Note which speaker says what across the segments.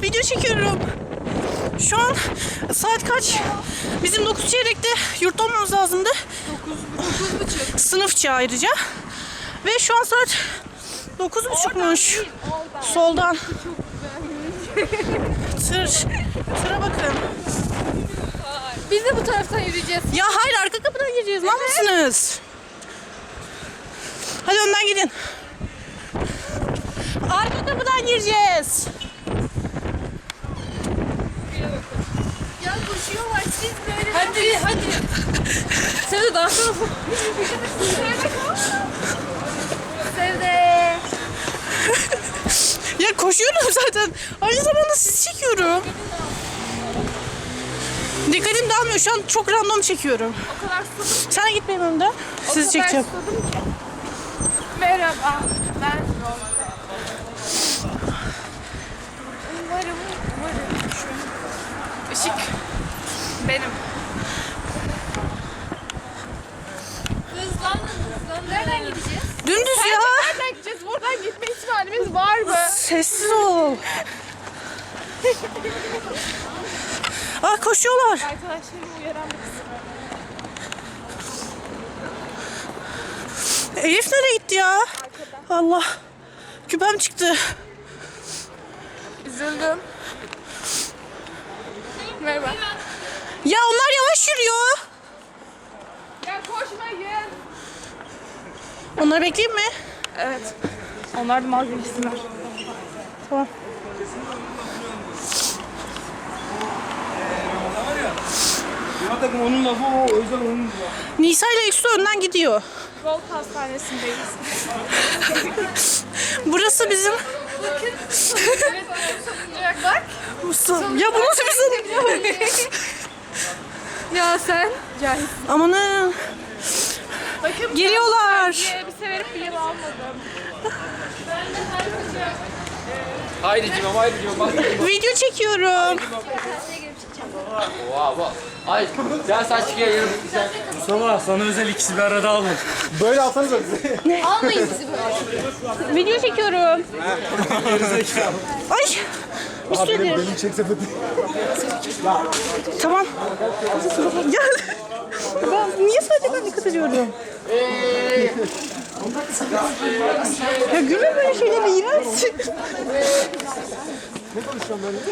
Speaker 1: Video çekiyorum. Şu an saat kaç? Bizim 9 çeyrekte yurtta olmamız lazımdı.
Speaker 2: 9.30.
Speaker 1: Sınıfça ayrıca. Ve şu an saat 9.30'muş. Soldan. Tıra bakın.
Speaker 2: Biz de bu taraftan yürüyeceğiz.
Speaker 1: Ya hayır, arka kapıdan gireceğiz. Lan mısınız? Hadi önden gidin. Arka kapıdan gireceğiz.
Speaker 2: Ya koşuyorlar siz böyle. Hadi. Sen de daha sonra. Sevde.
Speaker 1: Ya koşuyorum zaten. Aynı zamanda sizi çekiyorum. Dikkatim dağılmıyor. Şu an çok random çekiyorum.
Speaker 2: O kadar susadım.
Speaker 1: Sen git benim önümden. Sizi çekeceğim.
Speaker 2: Susadım ki. Merhaba. Ben Rolde. Umarım. Şu ışık benim. Hızlan. Nereden gideceğiz?
Speaker 1: Dümdüz ya.
Speaker 2: Nereden gideceğiz? Buradan gitme ihtimalimiz var mı?
Speaker 1: Sessiz ol. Koşuyorlar.
Speaker 2: Arkadaşlarımı uyaran bir kızım.
Speaker 1: Elif nereye gitti ya? Allah. Küpem çıktı.
Speaker 2: Üzüldüm. Merhaba.
Speaker 1: Ya onlar yavaş yürüyor.
Speaker 2: Ya koşmayın.
Speaker 1: Onları bekleyeyim mi?
Speaker 2: Evet. Onlar da mal bilgisiler.
Speaker 1: Tamam.
Speaker 3: Ya takım onun lafı o, özel onun lafı.
Speaker 1: Nisa ile Eksu önden gidiyor.
Speaker 2: Gold Hastanesi'ndeyiz.
Speaker 1: Burası bizim...
Speaker 2: Evet, savunacak. Bak.
Speaker 1: Ya bu nasıl bizim...
Speaker 2: Ya sen? Cahil.
Speaker 1: Amanın.
Speaker 2: Bakın.
Speaker 1: Geliyorlar.
Speaker 2: Bir elbise verip bir yıl almadım.
Speaker 3: Haydi Cimam, haydi Cimam.
Speaker 1: Video çekiyorum.
Speaker 3: Oha. Hayır, gel sen çıkıyor yarım. Mustafa, sana özel ikisi bir arada alın. Böyle alsanız bize.
Speaker 2: Almayın bizi böyle.
Speaker 1: Video çekiyorum. Ay. Bir
Speaker 3: Abi
Speaker 1: süredir.
Speaker 3: benim çek sepeti.
Speaker 1: Tamam. Gel. Ben niye sadece ben dikkat ediyorum? Ya gülme böyle şeylere, iğrençsin.
Speaker 3: Ne konuşuyorsun böyle?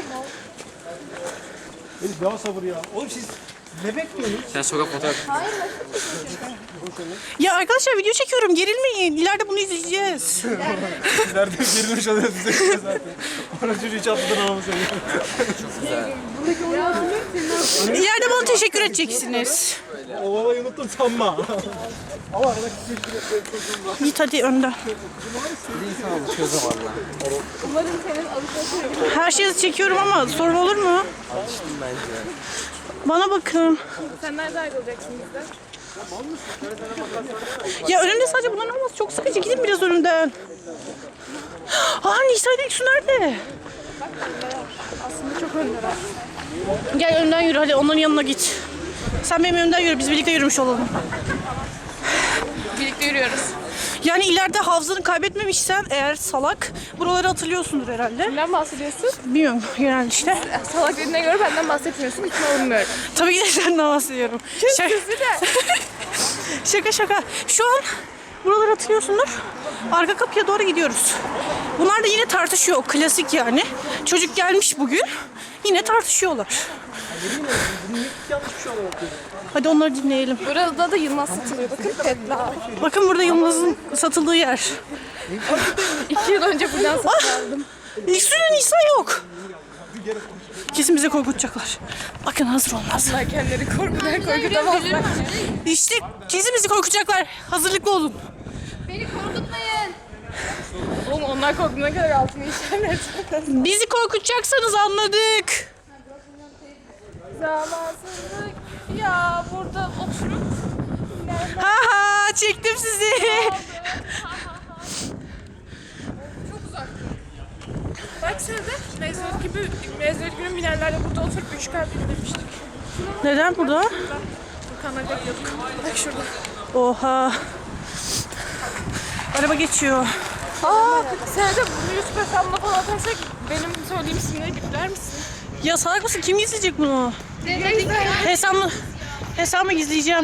Speaker 3: Elif daha sabır ya. Oğlum siz ne bekliyorsunuz? Sen sokak fotoğraf.
Speaker 1: Ya arkadaşlar video çekiyorum, gerilmeyin. İleride bunu izleyeceğiz.
Speaker 3: Nerede gerilmiş oluyoruz bize zaten. Bana çocuğu hiç atmadan almış oluyor.
Speaker 1: İleride bana teşekkür edeceksiniz.
Speaker 3: O babayı unuttum sanma. Ama arada küçük
Speaker 1: Git hadi önden.
Speaker 2: Umarım senin alışverişin.
Speaker 1: Her şeyi çekiyorum ama sorun olur mu? Bana bakın.
Speaker 2: Sen nerede ayrılacaksın bizden?
Speaker 1: Ya önümde sadece bunların olması çok sıkıcı. Gidin biraz önümden. Nisa ile Eksu nerede?
Speaker 2: Aslında çok öndeler.
Speaker 1: Gel önden yürü, hadi onların yanına git. Sen benim önümden yürü, biz birlikte yürümüş olalım.
Speaker 2: Birlikte yürüyoruz.
Speaker 1: Yani ileride hafızanı kaybetmemişsen eğer salak, buraları hatırlıyorsundur herhalde.
Speaker 2: Kimden bahsediyorsun?
Speaker 1: Bilmiyorum, genelde işte.
Speaker 2: Salak dediğine göre benden bahsetmiyorsun. İkna olmuyorum.
Speaker 1: Tabii ki de senden bahsediyorum. Şaka, şaka. Şu an buraları hatırlıyorsundur. Arka kapıya doğru gidiyoruz. Bunlar da yine tartışıyor. Klasik yani. Çocuk gelmiş bugün. Yine tartışıyorlar. Hadi onları dinleyelim.
Speaker 2: Burada da Yılmaz satılıyor. Bakın Tedla.
Speaker 1: Bakın burada Yılmaz'ın satıldığı yer.
Speaker 2: 2 yıl önce buradan satın aldım.
Speaker 1: İlk Nisa yok. Kesin bizi korkutacaklar. Bakın hazır olmaz.
Speaker 2: Bunlar kendileri korkutamazlar.
Speaker 1: İşte kesin bizi korkutacaklar. Hazırlıklı olun.
Speaker 2: Beni korkutmayın. Oğlum onlar korktuğuna kadar altını işaret.
Speaker 1: Bizi korkutacaksanız anladık.
Speaker 2: Zamansızlık. Ya burada oturup
Speaker 1: Ha çektim sizi.
Speaker 2: çok uzak. Bak Sevde, mezuniyet günü binerlerle burada oturup 3 kalp demiştik.
Speaker 1: Neden burada?
Speaker 2: Kanada gidiyorduk. Bak şurada.
Speaker 1: Oha. Araba geçiyor.
Speaker 2: Sevde bunu YouTube hesabına falan atarsak benim söylediğim isimleri bipler misin?
Speaker 1: Ya salak mısın? Kim izleyecek bunu? Hesabımı gizleyeceğim.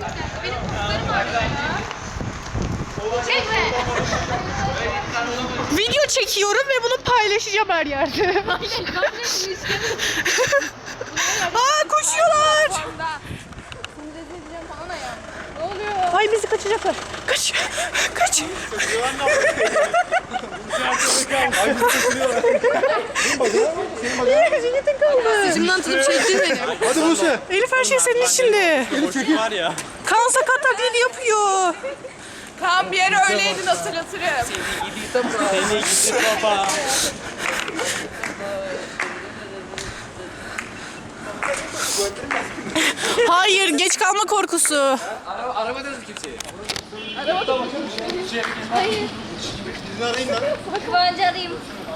Speaker 1: Video çekiyorum ve bunu paylaşacağım her yerde. Aa koşuyorlar.
Speaker 2: Ne oluyor?
Speaker 1: Ay bizi kaçacaklar. Kaç. Kaç. Cennetin kaldı.
Speaker 2: Saçımdan tutup çektin beni.
Speaker 3: Hadi Buse.
Speaker 1: Elif her şey senin içinde.
Speaker 3: Var ya.
Speaker 1: Kaan sakat taklidi yapıyor.
Speaker 2: Kaan bir yere öyleydin hatırlatırım.
Speaker 3: Seni gidi baba.
Speaker 1: Hayır geç kalma korkusu.
Speaker 3: Aramadınız mı kimseyi?
Speaker 4: Kıvancı arayayım.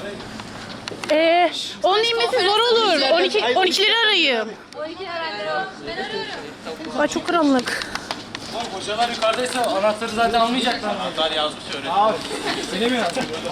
Speaker 1: Onun inmesi zor olur. 12'leri arayayım.
Speaker 4: 12 öğrenci o. Ben arıyorum.
Speaker 1: Ay çok karanlık.
Speaker 3: Hocalar yukarıdaysa anahtarı zaten almayacaklar. Anahtar yazmış öyle. Öyle mi yazdın?